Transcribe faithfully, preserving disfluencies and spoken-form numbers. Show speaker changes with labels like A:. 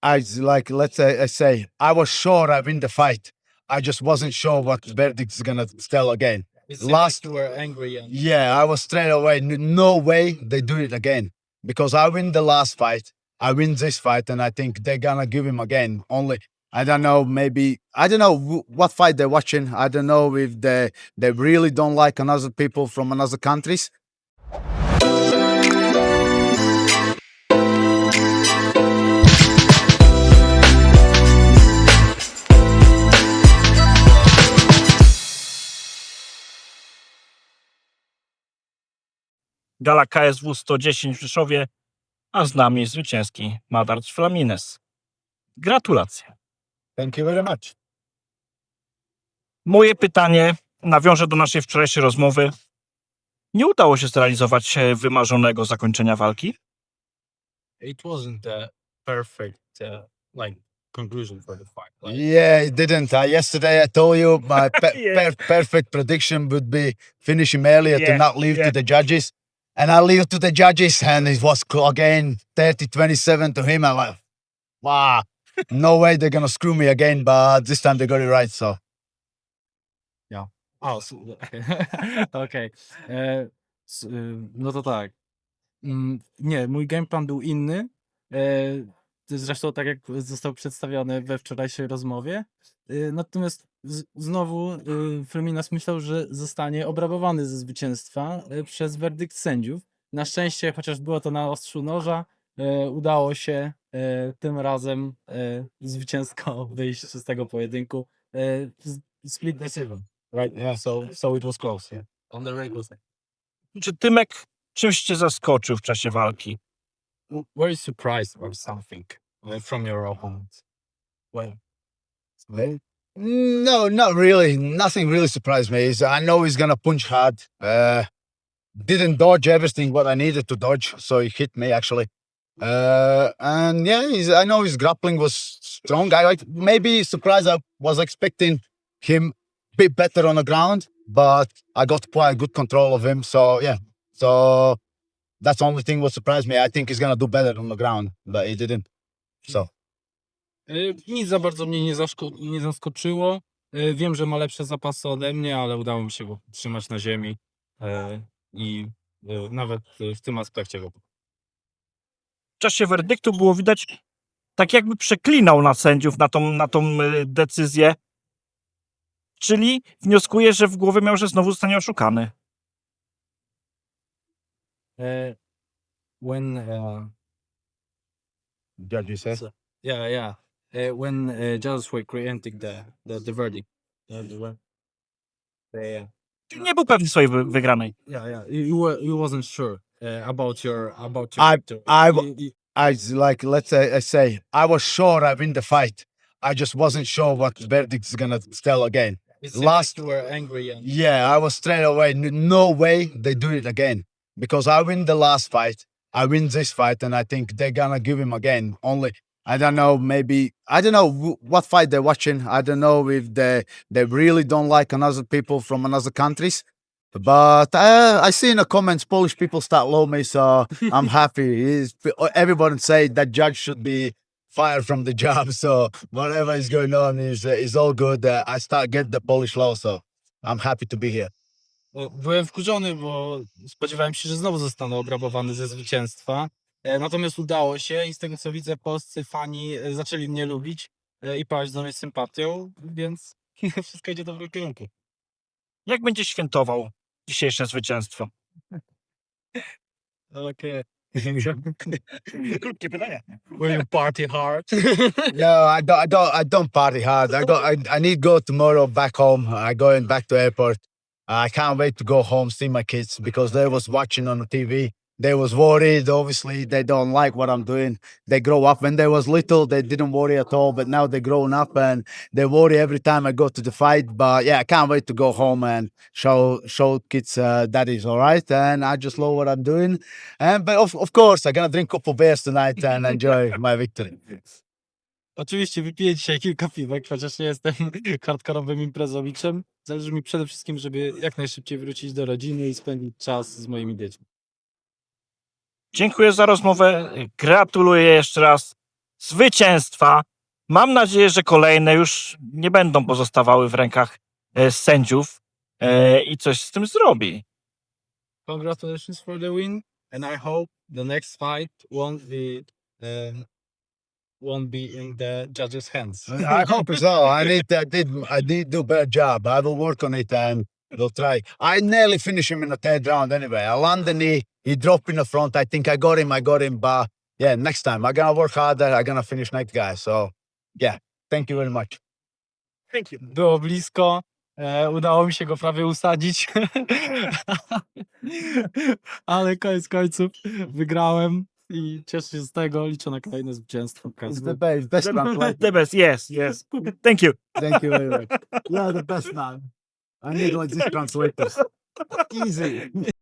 A: I s- like let's say I say I was sure I win the fight. I just wasn't sure what the verdict is gonna tell again.
B: It seemed
A: Last,
B: like you were angry and
A: yeah, I was straight away. n- No way they do it again because I win the last fight. I win this fight, and I think they're gonna give him again. Only I don't know. Maybe I don't know wh- what fight they're watching. I don't know if they they really don't like another people from another countries.
C: Gala K S W sto dziesięć w Rzeszowie, a z nami zwycięski Madart Flamines. Gratulacje.
A: Thank you very much.
C: Moje pytanie nawiąże do naszej wczorajszej rozmowy. Nie udało się zrealizować e, wymarzonego zakończenia walki.
B: it wasn't the perfect uh, like conclusion for the fight. Like,
A: Yeah, it didn't. Uh, yesterday I told you my pe-
C: Yeah.
A: per- perfect prediction would be finish him earlier
C: Yeah,
A: to not leave
C: yeah.
A: to the judges. And I leave to the judges, and it was cl- again thirty twenty-seven to him. I'm like, wow, no way they're going to screw me again. But this time they got it right. So,
B: oh, so, okej. E, s- y, No to tak. Mm, Nie, mój game plan był inny. E, Zresztą tak jak został przedstawiony we wczorajszej rozmowie. E, Natomiast z, znowu y, Flaminas myślał, że zostanie obrabowany ze zwycięstwa e, przez werdykt sędziów. Na szczęście, chociaż było to na ostrzu noża, e, udało się e, tym razem e, zwycięsko wyjść z tego pojedynku. E, z- Split decision, right?
A: yeah.
B: So, so it was close. Yeah. On the regular side.
C: Czy Tymek czymś cię zaskoczył w czasie walki?
B: Were you surprised about something uh, from your opponent? Well,
A: Well, no, not really. Nothing really surprised me. Is I know he's going to punch hard. Uh, didn't dodge everything what I needed to dodge. So he hit me actually. Uh, and yeah, he's, I know his grappling was strong. I like maybe surprised. I was expecting him a bit better on the ground, but I got quite good control of him. So yeah, so that's the only thing what surprised me. I think he's gonna do better on the ground, but he didn't. So
B: Y, Nic za bardzo mnie nie, zaszko- nie zaskoczyło. Y, Wiem, że ma lepsze zapasy ode mnie, ale udało mi się go trzymać na ziemi y, i y, nawet y, w tym aspekcie go.
C: W czasie werdyktu było widać, tak jakby przeklinał na sędziów, na tą, na tą y, decyzję. Czyli wnioskuję, że w głowie miał, że znowu zostanie oszukany.
B: Uh, when uh,
A: judge says.
B: So- yeah, yeah, uh, when uh, judges were creating the the, the verdict, uh, the, one- the,
C: Czyli nie był pewny swojej wy- wygranej.
B: yeah, yeah, you, you were you wasn't sure uh, about your about
A: I-
B: your victory.
A: I w-
B: You- you-
A: I s- like let's say I say I was sure I win the fight. I just wasn't sure what the verdict is gonna tell again.
B: it seemed
A: last-
B: like you were angry and
A: Yeah, I was straight away. n- No way they do it again because I win the last fight. I win this fight, and I think they're gonna give him again. Only I don't know. Maybe I don't know wh- what fight they're watching. I don't know if they they really don't like another people from another countries. But uh, I see in the comments Polish people start love me, so I'm happy. He's, everybody say that judge should be fired from the job. So whatever is going on is uh, is all good. Uh, I start get the Polish law, so I'm happy to be here.
B: O, Byłem wkurzony, bo spodziewałem się, że znowu zostanę obrabowany ze zwycięstwa. E, Natomiast udało się i z tego co widzę, polscy fani e, zaczęli mnie lubić e, i paść do mnie sympatią, więc wszystko idzie w dobrym kierunku.
C: Jak będzie świętował dzisiejsze zwycięstwo?
B: Okej.
C: Krótkie pytanie.
B: Will you party hard?
A: No, I don't. I don't. I don't party hard. I go. I, I need to go tomorrow back home. I going back to airport. I can't wait to go home see my kids because they was watching on the T V. They was worried. Obviously, they don't like what I'm doing. They grow up when they was little. They didn't worry at all, but now they're grown up and they worry every time I go to the fight. But yeah, I can't wait to go home and show show kids uh, that is all right. And I just love what I'm doing. And but of, of course, I'm gonna drink a couple beers tonight and enjoy my victory.
B: Oczywiście wypiję dzisiaj kilka piwek, chociaż nie jestem hardkorowym imprezowiczem. Zależy mi przede wszystkim, żeby jak najszybciej wrócić do rodziny i spędzić czas z moimi dziećmi.
C: Dziękuję za rozmowę. Gratuluję jeszcze raz zwycięstwa. Mam nadzieję, że kolejne już nie będą pozostawały w rękach e, sędziów e, i coś z tym zrobi.
B: Congratulations for the win, and I hope the next fight won't be uh, won't be in the judges' hands.
A: I hope so. I need, I did, I did do a better job. I will work on it and we'll try. I nearly finished him in the third round anyway. I landed the knee, he dropped in the front. I think I got him, I got him. But yeah, next time I'm gonna work harder. I'm gonna finish next guy. So yeah, thank you very much.
C: Thank you.
B: Było blisko. E, udało mi się go prawie usadzić. Ale koniec końców wygrałem i cieszę się z tego. Liczę na kolejne zwycięstwo.
A: It's the best, best translator.
C: The best, yes, yes. Thank you.
A: Thank you very much. You're the best man. I need like this translators. Easy.